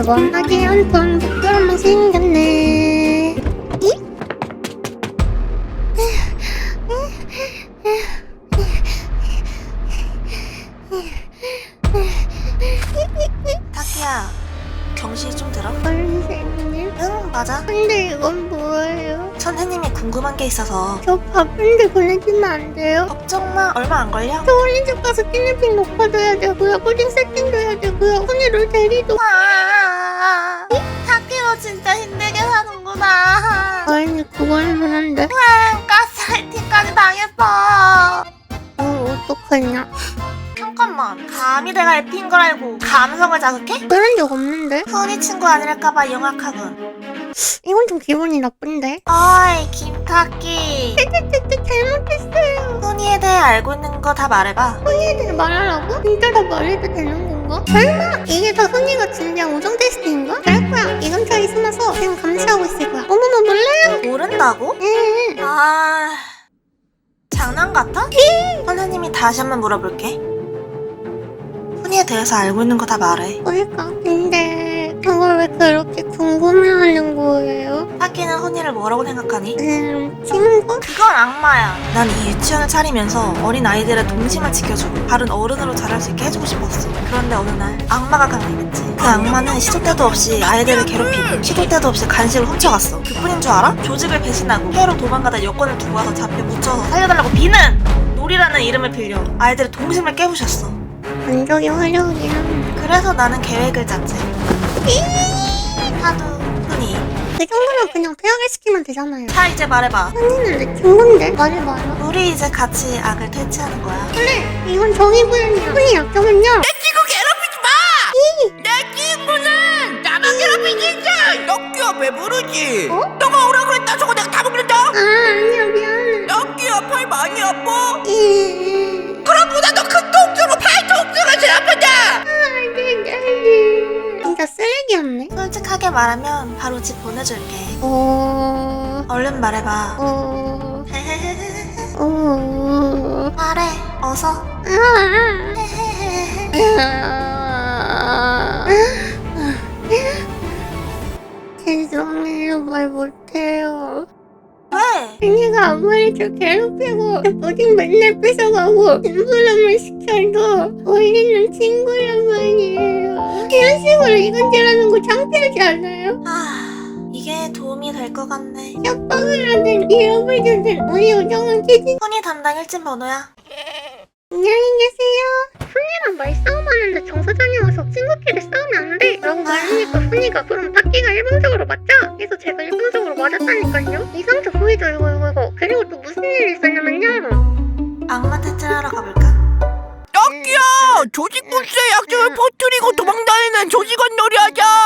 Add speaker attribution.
Speaker 1: 원하게 한번 부끄러움만 생겼네.
Speaker 2: 타키야, 경시 좀 들어?
Speaker 1: 선생님?
Speaker 2: 응, 맞아.
Speaker 1: 근데 이건 뭐예요?
Speaker 2: 선생님이 궁금한 게 있어서.
Speaker 1: 저 바쁜데 보내주면 안 돼요?
Speaker 2: 걱정 마, 얼마 안 걸려.
Speaker 1: 저 어린이집 가서 끼니핑 녹화도 해야 되고요, 푸딩 세팅도 해야 되고요, 훈이를 데리도.
Speaker 2: 타키로 진짜 힘들게 사는구나.
Speaker 1: 아니 그건 그런데
Speaker 2: 가스라이팅까지 당했어.
Speaker 1: 어떡하냐.
Speaker 2: 잠깐만, 감히 내가 F인 걸 알고 감성을 자극해?
Speaker 1: 그런 적 없는데?
Speaker 2: 훈이 친구 아니랄까봐 영악하군.
Speaker 1: 이건 좀 기분이 나쁜데?
Speaker 2: 어이, 김타키.
Speaker 1: 잘못했어요.
Speaker 2: 훈이에 대해 알고 있는 거 다 말해봐.
Speaker 1: 훈이에 대해 말하라고? 진짜 다 말해도 되는 건가? 설마 이게 다 훈이가 준비한 우정 테스트인가? 그럴 거야. 이 근처에 숨어서 지금 감시하고 있을 거야. 어머나 놀래요.
Speaker 2: 모른다고?
Speaker 1: 응.
Speaker 2: 장난 같아? 선생님이 다시 한번 물어볼게. 훈이에 대해서 알고 있는 거 다 말해.
Speaker 1: 뭘까? 근데 그걸 왜 그렇게 궁금해하는 거예요?
Speaker 2: 타키는 훈이를 뭐라고 생각하니?
Speaker 1: 친구?
Speaker 2: 그건 악마야. 난 이 유치원을 차리면서 어린 아이들의 동심을 지켜주고 바른 어른으로 자랄 수 있게 해주고 싶었어. 그런데 어느 날 악마가 강림했지. 그 악마는 시도 때도 없이 아이들을 괴롭히고 시도 때도 없이 간식을 훔쳐갔어. 그뿐인 줄 알아? 조직을 배신하고 해외로 도망가다 여권을 두고 와서 잡혀 묻혀서 살려달라고 비는! 놀이라는 이름을 빌려 아이들의 동심을 깨부셨어.
Speaker 1: 완전히 화려하긴.
Speaker 2: 그래서 나는 계획을 짰지. 하도 훈이.
Speaker 1: 그 정도면 그냥 퇴학을 시키면 되잖아요.
Speaker 2: 자, 이제 말해봐.
Speaker 1: 훈이는 내 친구인데? 말해봐요.
Speaker 2: 우리 이제 같이 악을 퇴치하는 거야.
Speaker 1: 그래, 이건 정의구현이야. 훈이 약점은요?
Speaker 3: 친구 괴롭히지 마! 내 친구는 나만 괴롭히지 않아! 럭키야 배부르지?
Speaker 1: 어?
Speaker 3: 너가 오라 그랬다 저거 내가 다 먹는다!
Speaker 1: 아니야, 미안해.
Speaker 3: 럭키야 팔 많이 아파?
Speaker 1: 예.
Speaker 3: 그럼보다 더 큰 통증으로 팔 통증을 제일 아프다!
Speaker 1: 진짜 쓰레기였네.
Speaker 2: 솔직하게 말하면 바로 집 보내줄게. 얼른 말해봐. 말해, 어서.
Speaker 1: 죄송해요, 말 못해요.
Speaker 2: 왜?
Speaker 1: 언니가 아무리 저 괴롭히고 푸딩 맨날 뺏어가고 심부름을 시켜도 우리는 친구란 말이에요. 이런 식으로 이간질하는 거 창피하지 않아요?
Speaker 2: 이게 도움이 될 것 같네.
Speaker 1: 협박을 하든 위협을 주든 우리 우정은 깨진.
Speaker 2: 훈이 담당 일진 번호야.
Speaker 1: 안녕히 계세요. 훈이랑 말싸움하는데 정서장이 와서 친구끼리 싸우면 안 돼 라고 말하니까 훈이가 그럼 타키가 일방적으로 맞자 해서 제가 일방적으로 맞았다니까요. 이상적 후회죠 이거. 그리고 또 무슨 일이 있었냐면요.
Speaker 2: 악마 퇴치하러 가볼까?
Speaker 3: 럭키야! 조직군수의 약점을 퍼뜨리고 도망다니는 조직원 놀이하자!